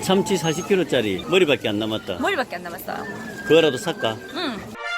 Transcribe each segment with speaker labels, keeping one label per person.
Speaker 1: 참치 40kg짜리 머리밖에 안 남았다.
Speaker 2: 머리밖에 안 남았어요.
Speaker 1: 그거라도 살까?
Speaker 2: 응.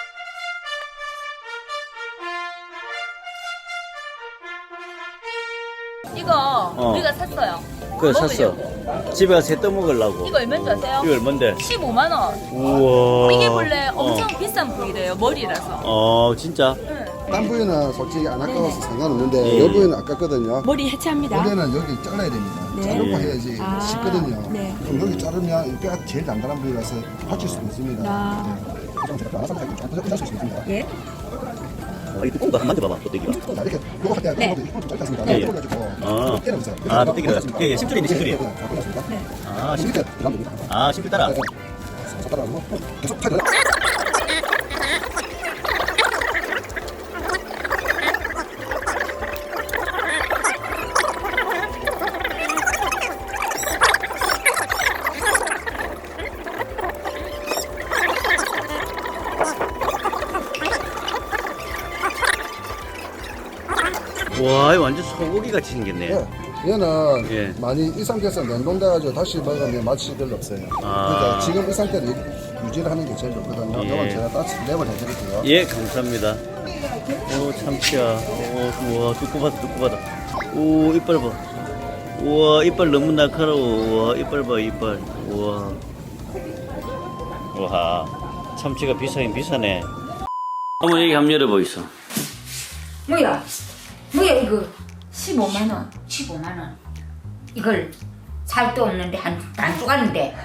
Speaker 2: 이거 우리가 샀어요.
Speaker 1: 그거
Speaker 2: 먹으려고.
Speaker 1: 샀어. 집에 가서 떠 먹으려고.
Speaker 2: 이거 얼마인 줄 아세요?
Speaker 1: 이거 얼만데?
Speaker 2: 15만 원.
Speaker 1: 우와.
Speaker 2: 이게 원래 엄청 비싼 부위래요. 머리라서.
Speaker 1: 진짜?
Speaker 2: 응.
Speaker 3: 딴 부위는 솔직히 안 아까워서 상관없는데
Speaker 1: 네.
Speaker 3: 이 부위는 아깝거든요.
Speaker 4: 머리 해체합니다.
Speaker 3: 원래는 여기 잘라야 됩니다.
Speaker 4: 네.
Speaker 3: 자르고
Speaker 1: 예.
Speaker 3: 해야지
Speaker 4: 아,
Speaker 3: 쉽거든요.
Speaker 4: 네.
Speaker 3: 그럼 여기 자르면 이 뼈가 제일 단단한 부위라서 다칠 수도 있습니다.
Speaker 4: 아.
Speaker 3: 네. 그럼 제가 알아서 할 수 있습니다.
Speaker 4: 예.
Speaker 1: 이 두꺼운 거 한번 만져봐봐, 또대기가.
Speaker 3: 자, 이렇게 요거 할때
Speaker 4: 네.
Speaker 3: 좀 짧지 않습니까?
Speaker 1: 예, 예.
Speaker 3: 돌려가지고 때려보세요.
Speaker 1: 또대기를. 예, 예, 심줄인데, 심줄이.
Speaker 3: 아,
Speaker 1: 심줄. 심줄 따라.
Speaker 3: 따라하고 계속 타죠.
Speaker 1: 와, 이거 완전 소고기 같이 생겼네.
Speaker 3: 예. 얘는
Speaker 1: 예.
Speaker 3: 많이 이 상태에서 냉동돼가지고 다시 먹으면 맛이 별로 없어요. 그러니까 지금 이 상태로 유지를 하는 게 제일 좋거든요.
Speaker 1: 예.
Speaker 3: 이건 제가 따스 랩을 해드릴게요.
Speaker 1: 예, 감사합니다. 오, 참치야. 오, 우와, 두꺼하다, 두꺼하다. 오, 이빨 봐. 우와, 이빨 너무 날카로워. 우와, 이빨 봐, 이빨. 우와. 와, 참치가 비싸긴 비싸네. 한번 여기 한번 열어보이소.
Speaker 5: 뭐야 이거
Speaker 2: 15만 원.
Speaker 5: 15만 원. 이걸 살도 없는데 한 쪼가리인데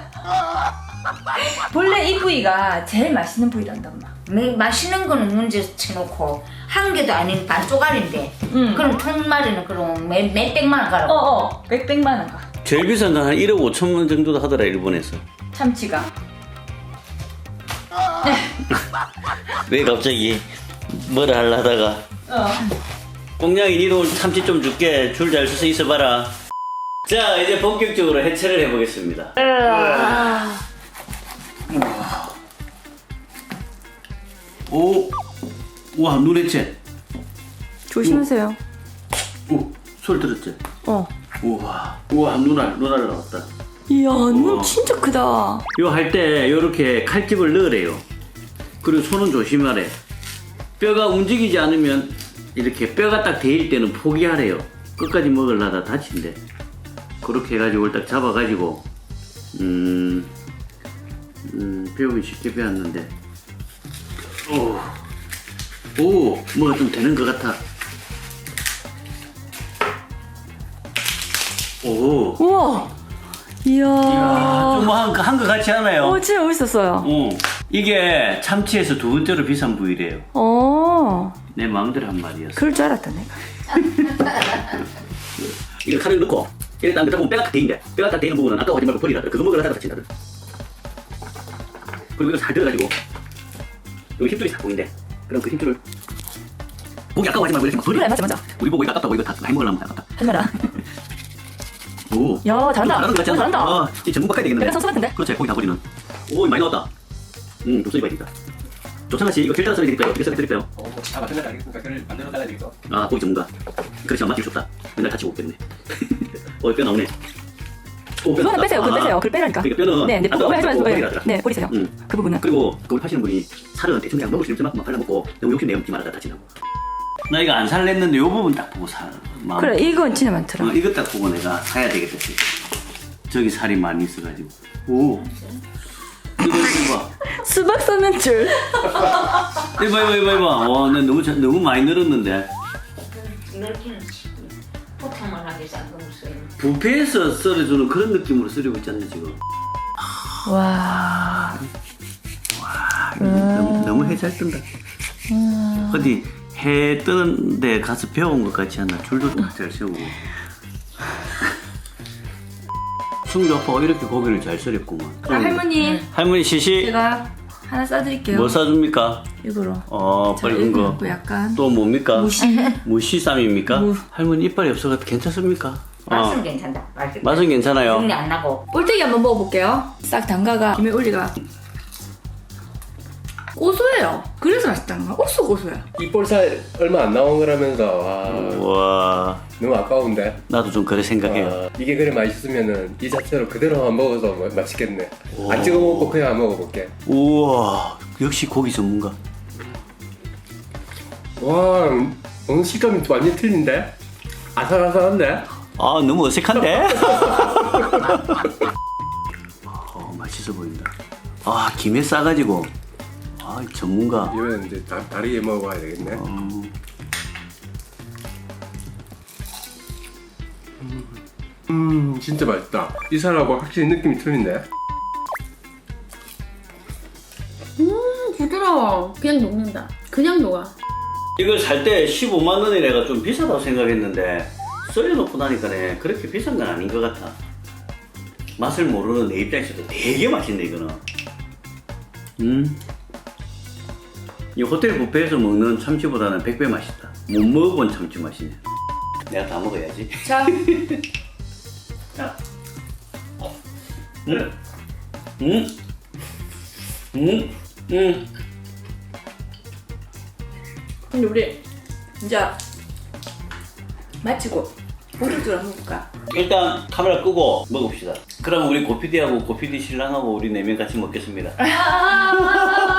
Speaker 2: 본래 이 부위가 제일 맛있는 부위란다, 엄마.
Speaker 5: 맛있는 거는 문제 쳐놓고 한 개도 아닌 반 쪼가리인데 그럼 통마리는 그럼 몇백만 원 가라고.
Speaker 2: 백백만 원 가.
Speaker 1: 제일 비싼 건 한 1억 5천 원 정도도 하더라, 일본에서.
Speaker 2: 참치가.
Speaker 1: 왜 갑자기 뭐라 하려다가. 꽁냥이 니도 참치 좀 줄게. 줄 잘 서서 있어봐라. 자, 이제 본격적으로 해체를 해보겠습니다. 오, 와, 눈 해체.
Speaker 4: 조심하세요.
Speaker 1: 오, 소리 들었지? 우와, 눈알 나왔다.
Speaker 4: 이야,
Speaker 1: 우와.
Speaker 4: 눈 진짜 크다.
Speaker 1: 이거 할 때 요렇게 칼집을 넣으래요. 그리고 손은 조심하래. 뼈가 움직이지 않으면 이렇게 뼈가 딱 데일 때는 포기하래요. 끝까지 먹으려다 다친대. 그렇게 해가지고 이걸 딱 잡아가지고 배우기 쉽게 배웠는데 뭐가 좀 되는 것 같아. 오,
Speaker 4: 우와. 이야.
Speaker 1: 좀 한 것 같지 않아요?
Speaker 4: 진짜 멋있었어요.
Speaker 1: 이게 참치에서 두 번째로 비싼 부위래요. 내 마음대로 한 말이었어.
Speaker 4: 그럴 줄 알았다, 내가.
Speaker 1: 이거 칼을 넣고 이렇게 딱 넣다 보면 뼈가 딱 대인데 뼈가 딱 대이는 부분은 아까워 하지 말고 버리라. 그거 먹으러 다친다. 그리고 이거 잘 들어가지고 여기 힘줄이 딱 보인대. 그럼 그 힘줄을 고기 아까워 하지 말고 이렇게 막 버리라.
Speaker 4: 그래, 맞아.
Speaker 1: 우리 보고 이거 아깝다고 이거 다 해먹으려면 아깝다.
Speaker 4: 하지 마라.
Speaker 1: 오.
Speaker 4: 야, 잘한다.
Speaker 1: 잘하는 거 같지 않아?
Speaker 4: 잘한다.
Speaker 1: 이 전문 바꿔야 되겠네.
Speaker 4: 내가 선수 같은데?
Speaker 1: 그렇지, 고기 다 버리는. 오, 많이 나왔다. 좀 써야 되겠다. 조찬아 씨, 이거 필터로 써야 되니까요. 어떻게 써야 될까요?
Speaker 6: 만들어 달라겠까 그걸 만들어 달라야 되겠어.
Speaker 1: 아, 고기 전문가. 그렇지, 맡기고 싶다. 맨날 다치고 오겠네. 뼈 나오네. 오, 뼈
Speaker 4: 그거는
Speaker 1: 나왔다.
Speaker 4: 빼세요. 그거 빼세요. 그걸 빼라니까.
Speaker 1: 그러니까 뼈는
Speaker 4: 네, 네,
Speaker 1: 아까워
Speaker 4: 하지 마세요.
Speaker 1: 버리라.
Speaker 4: 네, 버리세요. 그 부분은.
Speaker 1: 그리고 그걸 파시는 분이 살은 대충 그냥 먹을 수 있을 만큼만 발라먹고 너무 욕심 내지 말아라 다치라고. 나 이거 안 살랬는데 요 부분 딱 보고 마음.
Speaker 4: 그래, 이건 진짜 많더라.
Speaker 1: 이거 딱 보고 내가 사야 되겠다 싶어. 저기 살이 많이 있어가지고. 오. 이거.
Speaker 4: 수박 쏘는 줄.
Speaker 1: 이봐. 와, 나 너무 많이 늘었는데.
Speaker 5: 넓기는 포탕만 하게 싼거 없어요.
Speaker 1: 뷔페에서 썰어주는 그런 느낌으로 썰이고 있잖아 지금.
Speaker 4: 와.
Speaker 1: 너무 해 잘 뜬다. 어디 해 뜨는데 가서 배운 것 같지 않나? 줄도 잘 세우고. 승주 아빠가 이렇게 고기를 잘 썰었구만.
Speaker 2: 할머니,
Speaker 1: 할머니 시시
Speaker 2: 제가 하나 싸드릴게요.
Speaker 1: 뭐 사줍니까?
Speaker 2: 이거로.
Speaker 1: 빨간 거.
Speaker 2: 약간.
Speaker 1: 또 뭡니까?
Speaker 2: 무시.
Speaker 1: 무시쌈입니까? 할머니 이빨이 없어서 괜찮습니까?
Speaker 5: 맛은 괜찮다.
Speaker 1: 맛은 괜찮아요.
Speaker 5: 정리 안 나고.
Speaker 2: 꼴뚜기 한번 먹어볼게요. 싹 담가가 김에 올리가.
Speaker 4: 고소해요. 그래서 맛있다는 거야. 옥수 고소해.
Speaker 6: 이 볼살 얼마 안 나온 거라면서 와,
Speaker 1: 와,
Speaker 6: 너무 아까운데.
Speaker 1: 나도 좀 그래 생각해요.
Speaker 6: 이게 그래 맛있으면은 이 자체로 그대로만 먹어도 맛있겠네. 안 찍어 먹고 그냥 먹어볼게.
Speaker 1: 우와, 역시 고기 전문가.
Speaker 6: 와, 오늘 식감이 완전 틀린데? 아삭아삭한데?
Speaker 1: 아, 너무 어색한데? 맛있어 보인다. 아, 김에 싸가지고. 아, 전문가.
Speaker 6: 이번엔 이제 다르게 먹어봐야 되겠네. 진짜 맛있다. 이 살하고 확실히 느낌이 틀린데?
Speaker 7: 부드러워. 그냥 녹는다. 그냥 녹아.
Speaker 1: 이걸 살 때 15만 원이 내가 좀 비싸다고 생각했는데 썰려놓고 나니까네 그렇게 비싼 건 아닌 것 같아. 맛을 모르는 내 입장에서도 되게 맛있네 이거는. 이 호텔 뷔페에서 먹는 참치보다는 100배 맛있다. 못 먹어본 참치 맛이네. 내가 다 먹어야지.
Speaker 2: 자,
Speaker 1: 자.
Speaker 2: 근데 우리 이제 마치고 보리줄 한번 볼까?
Speaker 1: 일단 카메라 끄고 먹읍시다. 그럼 우리 고피디하고 고피디 신랑하고 우리 4명 같이 먹겠습니다.